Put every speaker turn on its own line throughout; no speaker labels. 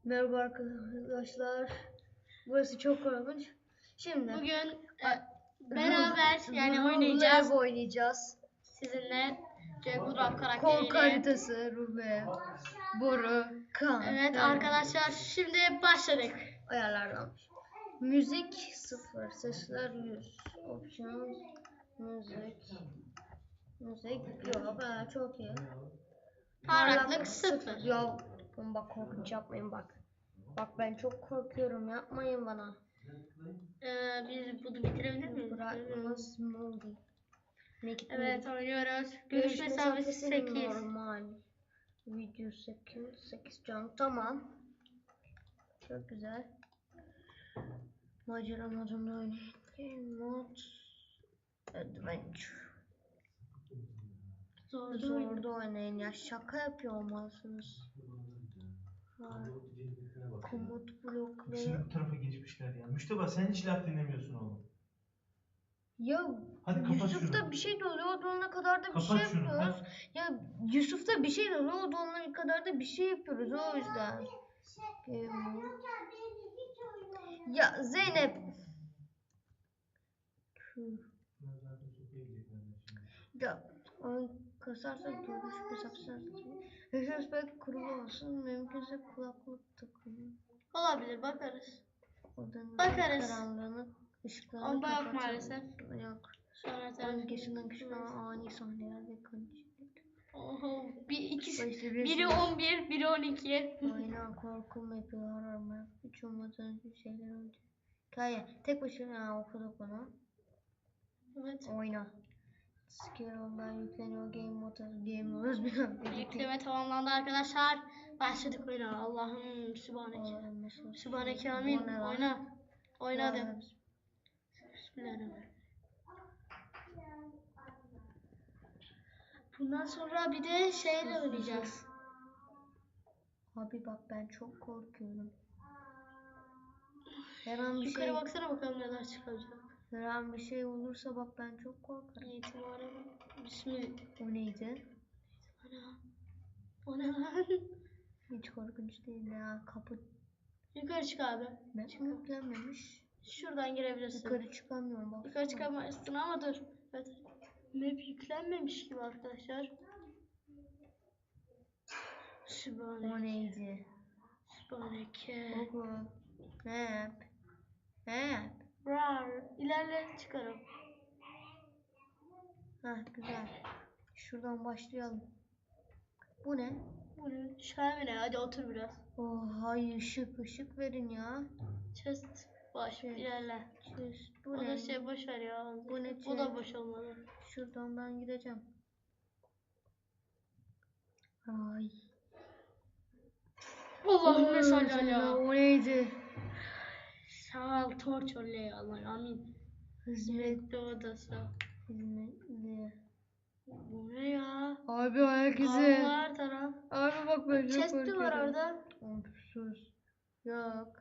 Merhaba arkadaşlar. Burası çok korkunç. Şimdi
bugün beraber oynayacağız.
oynayacağız.
Sizinle Jack Woodruff
Korku
karakteriyle.
haritası, Rube, Boru, Kan.
Evet arkadaşlar, şimdi başladık.
Ayarlardan. Müzik 0, sesler 100. Options, müzik yok. Çok iyi.
Parlaklık 0.
Yok. Bak korkunç yapmayın bak. Bak ben çok korkuyorum, yapmayın bana.
Biz bunu bitirebilir miyiz?
Bırakmaz moldy.
Evet, oynuyoruz. Görüş mesafesi 8.
Normal. Video 8 can. Tamam. Çok güzel. Macera modunda oynayın. Game mod Adventure. Zorda oynayın ya. Şaka yapıyor olmalısınız. Komut blokları.
Şimdi bu tarafa geçmişler ya. Müşteba sen hiç laf dinlemiyorsun oğlum.
Ya
Hadi kapat
Yusuf'ta
şunu.
bir şey de oluyor, o donana kadar da bir
Kapat
şey
şunu,
yapıyoruz.
hadi.
Ya Yusuf'ta bir şey de oluyor, o donana kadar da bir şey yapıyoruz, o yüzden. Ya Zeynep. Ya onu kasarsak görüş mesafesi belki kurulu olsun, mümkünse kulaklık takılır.
Olabilir, bakarız.
Odanın
Bakarız.
karanlığını, ışıklarını
Onda yok
kapatalım.
maalesef.
Yok.
Sonra
Öncesinden kışına ani sahneler ve kanıcılık.
Oho,
İşte
biri 11, biri 12.
Aynen, korkum yapıyor, arama. Hiç olmadan şeyler oldu. Hikaye. Tek başına okuduk onu.
Evet.
Oyna. Scare ondan yükleniyor, game modu diyemiyoruz bir
Yükleme tamamlandı arkadaşlar. Başladık oyuna. Allah'ım Sübhaneke. Sübhaneke amin. Oyna. Oynadım. Bismillahirrahmanirrahim. Bundan sonra bir de şeyle oynayacağız.
Abi bak ben çok korkuyorum. Her an bir
Yukarı
şey,
baksana bakalım neler çıkacak.
her an bir şey olursa bak ben çok korkarım.
İtibarım. Bismillah.
O neydi?
Ana. O ne lan?
Hiç korkunç değil ya. Kapı
Yukarı çık abi.
yüklenmemiş.
Şuradan girebilirsin.
Yukarı çıkamıyorum bak.
Yukarı çıkamazsın ama dur. Evet. Map yüklenmemiş gibi arkadaşlar. Sübhaneke.
O neydi?
Sübhaneke.
Oku. Map. Map.
Rar. İlerle çıkarım.
Heh, güzel. Şuradan başlayalım. Bu ne?
Bu ne? Şamine, hadi otur biraz.
Oh hay, ışık verin ya.
Chest boş.
Chest.
İlerle.
Chest. Bu
O
ne?
da şey boş ver ya.
Bu ne
Bu da
chest?
boş olmalı.
Şuradan ben gideceğim. Ay.
Allahümme salli ala.
O neydi?
Sağ ol torç oley Allah amin.
Hizmet.
Odası.
Hizmetli.
Bu ne ya?
Abi ayak izi.
Allah her taraf.
Abi bak ben çok
Chest'i
korkuyorum.
var orada.
Of, sus. Yok.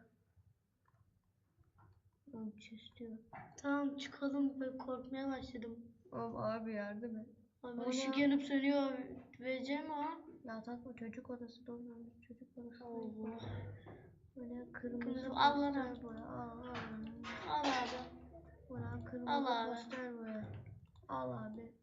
Chest'i yok.
Tamam çıkalım, ben korkmaya başladım.
Of abi yardım et.
Abi
O
ışık
ne?
yanıp sönüyor. Vereceğim o.
Ya takma, çocuk odası dolmamış. Çocuk odası.
Allah.
Böyle kırmızı
Kırmızı, al lan
poster
abi.
boya. Al.
Al abi.
Buna kırmızı
Al abi.
poster boya. Al abi.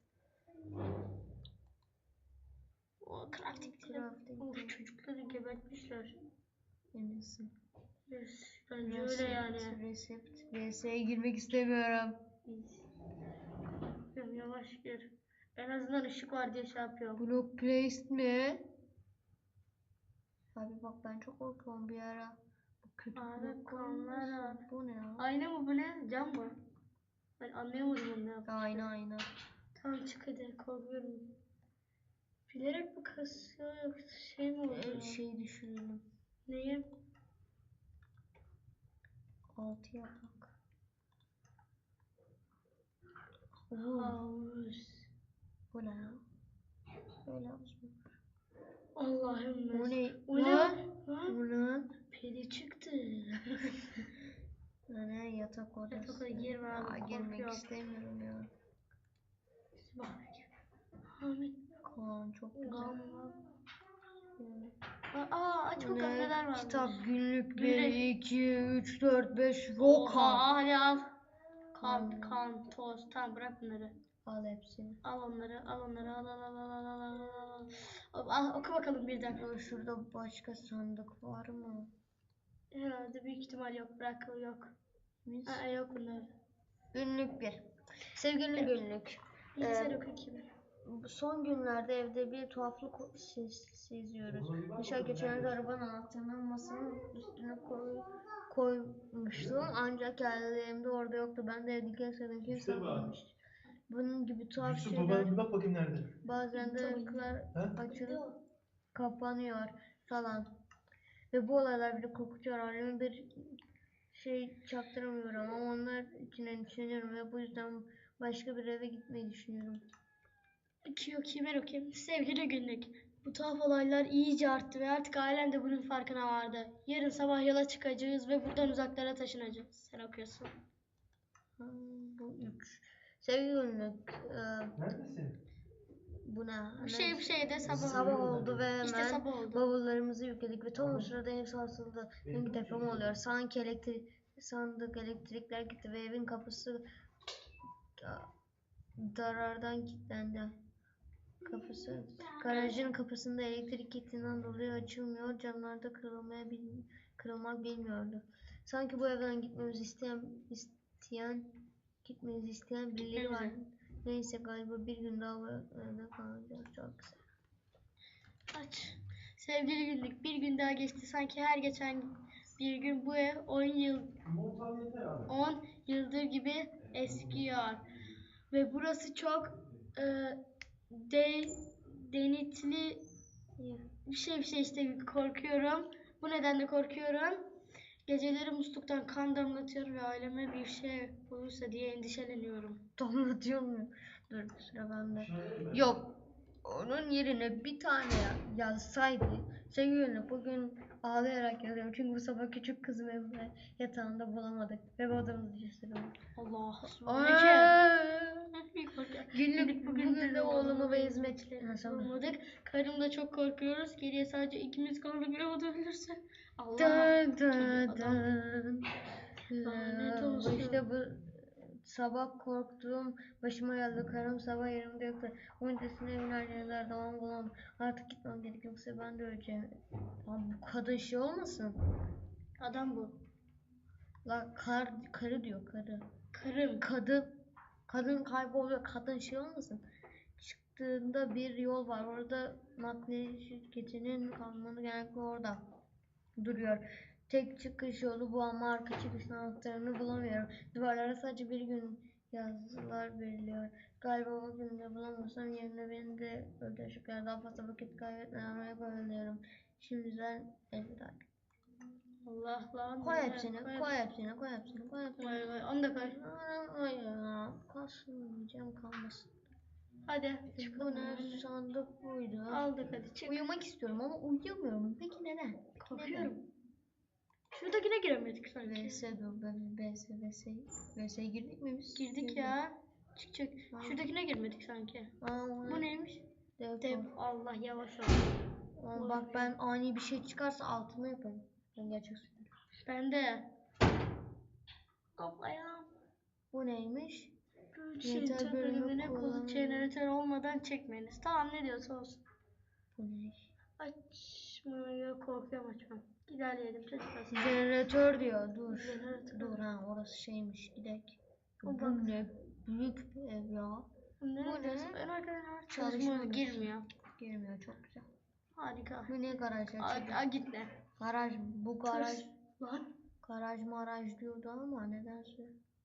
O crafting diye. Of, çocukları gebertmişler.
Eminsin.
Yes, bence öyle yani.
Resept. VS'ye girmek istemiyorum.
Yavaş gir. En azından ışık var diye şey yapıyorum.
Block placed mi? Abi bak ben çok korkuyorum bir ara. Bu kötü
Abi
blok
kanlar
olmasın.
var.
Bu ne ya?
Ayna mı bu ne? Cam mı? Ben anlayamadım onu ne yaptı.
Ayna.
Tamam çık hadi, korkuyorum. Bilerek mi kasıyor yoksa şey mi oldu?
Şey düşünelim.
Neyi?
6 yapak.
Havuz.
Bu ne ya? Böyle havuz mu?
Allah'ım.
O ne?
O ne?
Lan?
Lan?
Bu lan?
Peri çıktı.
Ne yatak odası?
Yatak odaya girme abi,
Aa, girmek
korkuyorum.
istemiyorum ya.
Amin.
Kaan çok güzel.
Gamma. Aç
Bu
bakalım
ne?
neler var.
Kitap, günlük 1,
Günlük.
2, 3, 4, 5. Yok
Oha,
abi.
hadi al.
Al.
Kan, toz. Tamam bırak bunları.
Al hepsini.
Al onları, al onları, al. Oku bakalım birden.
Ya şurada başka sandık var mı?
Herhalde büyük ihtimal yok. Bırak yok.
Biz?
Yok bunlar.
Günlük 1. Sevgili günlük.
Bilgisayar oku 2000.
Bu son günlerde evde bir tuhaflık seziyoruz. Dışarı geçenlerde arabanın anahtarını masanın üstüne koymuştum. Ancak geldiğimde orada yoktu. Ben de evdeki eserden kim saklamış. Bunun gibi tuhaf
Yusuf
şeyler.
babana bir bak bakayım nerede?
Bazen de ışıklar
Ha?
açılıp kapanıyor falan. Ve bu olaylar beni korkutuyor. Halime bir şey çaktıramıyorum ama onlar içinden düşünüyorum ve bu yüzden başka bir eve gitmeyi düşünüyorum.
Ben okuyayım. Sevgili günlük. Bu tuhaf olaylar iyice arttı ve artık ailem de bunun farkına vardı. Yarın sabah yola çıkacağız ve buradan uzaklara taşınacağız. Sen okuyorsun.
Bu 3. Sevgili günlük.
Neredesin?
Bu ne?
Bir şey de sabah.
Sabah oldu ve hemen
İşte sabah oldu.
bavullarımızı yükledik ve tam o sırada ev sarsıldı. Sanki deprem oluyor. Sandık elektrikler gitti ve evin kapısı darardan kilitlendi. Garajın kapısında elektrik gittiğinden dolayı açılmıyor. Camlar da kırılmak bilmiyordu. Sanki bu evden gitmemizi isteyen birileri var. Neyse galiba bir gün daha bu evde kalacağız. Çok güzel.
Aç. Sevgili günlük. Bir gün daha geçti. Sanki her geçen bir gün bu ev 10 yıldır gibi eskiyor. Ve burası çok denetli bir şey işte korkuyorum. Bu nedenle korkuyorum. Geceleri musluktan kan damlatıyor ve aileme bir şey olursa diye endişeleniyorum.
Damlatıyor mu? Dur sıra bende. Yok. Onun yerine bir tane yazsaydı. Sevgilim bugün ağlayarak yazıyorum. Çünkü bu sabah küçük kızım evde yatağında bulamadık. Ve odamızı gösteriyorum.
Allah.
Bugün de oğlumu ve hizmetçilerimi
bulamadık. Karımla çok korkuyoruz. Geriye sadece ikimiz kaldık ve o da ölürse. Allah.
Dın.
Lanet olsun.
İşte bu sabah korktuğum başıma geldi. Karım sabah yerimde yoktu. Öncesinde evin her yerinde aradan bulamam. Artık gitmem gerek yoksa ben de öleceğim. Lan bu kadın şey olmasın?
Adam bu.
La karı diyor karı.
Karım.
Kadın kayboluyor. Kadın şey olmasın? Çıktığında bir yol var. Orada nakliye şirketinin kanunu genellikle orada duruyor. Tek çıkış yolu bu ama arka çıkış anahtarını bulamıyorum. Duvarlara sadece bir gün yazılar veriliyor. Galiba o gün de bulamazsam yerine beni de öldürecekler. Daha fazla vakit kaybetmeden oraya koyuyorum. Şimdiden elveda.
Allah lan.
Koy hepsini.
Vay, onu da koy.
Hayır. Kalsın diyeceğim kalmasın.
Hadi.
Bu ne sandık buydu.
Aldık hadi çık.
Uyumak istiyorum ama uyuyamıyorum. Peki neden?
Korkuyorum. Şuradakine giremedik sanki.
VS girdik mi biz?
Girdik ya. Çık. Şuradakine girmedik sanki. Bu neymiş? Dev. Allah yavaş ol.
Bak ben ani bir şey çıkarsa altına yaparım. Ben gerçek söylüyorum.
Ben de. Toplayalım.
Bu neymiş?
Jeneratör bölümüne jeneratör olmadan çekmeniz. Tamam ne diyorsa olsun.
Bu ne?
Açmaya korkuyorum açmam. İlerleyelim çocuklar.
Jeneratör diyor. Dur.
Jeneratör.
Dur orası şeymiş. Gidelim.
O
Bu ne? Büyük bir ev ya.
Bu ne? Ben arkadaşlar çalışmıyor girmiyor.
Girmiyor çok güzel.
Harika.
Bu ne garaj açıldı?
Gitme.
Garaj bu garaj.
Lan.
Garaj diyordu ama nedense.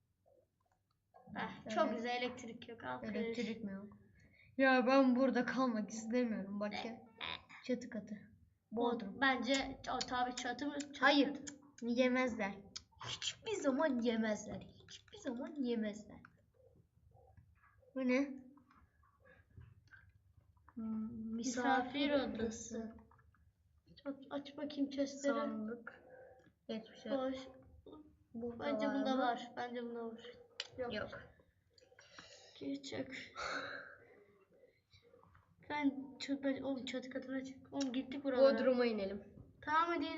Çok güzel elektrik yok.
Elektrik mi yok? Ya ben burada kalmak istemiyorum. Bak ya. Çatı katı. Bodrum.
Bence tabii çatı mı?
Hayır. Yemezler. Hiçbir zaman yemezler. Bu ne? Misafir odası.
Aç bakayım chestleri.
Sandık. Hiçbir şey.
Boş. Bence bunda var. Yok. Çık. Ben oğlum çatı katına çık. Oğlum gittik buralara.
Bodrum'a inelim.
Tamam hadi